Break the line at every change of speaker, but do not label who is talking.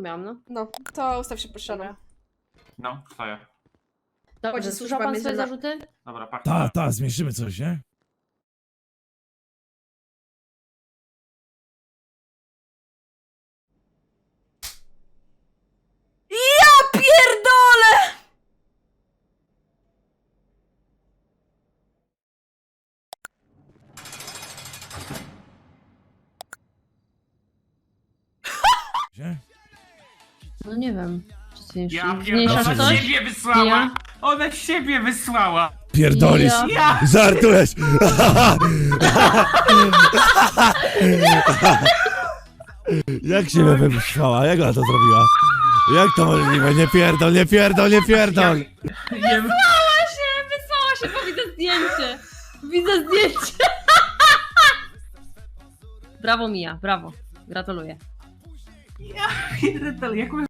miałam, no.
No, to ustaw się proszę.
No, twoje.
Dobrze,
Chodzi
słyszał
służba
pan swoje
więzienna.
zarzuty?
Dobra, pachnie.
Zmieszymy coś, nie?
Ja pierdolę!
Gdzie?
No nie wiem. Czy ty
Ja
zmniejszasz
pierdolę, ona
coś?
siebie wysłała!
Ja?
Ona siebie wysłała!
Pierdolisz!
Ja.
Żartujesz! Jak się mnie wysłała? Jak ona to zrobiła? Jak to możliwe? Nie pierdol, nie pierdol, nie pierdol!
Nie,
Wysłała się, bo widzę zdjęcie. Widzę zdjęcie. Brawo Mija, brawo. Gratuluję.
pierdolę, jak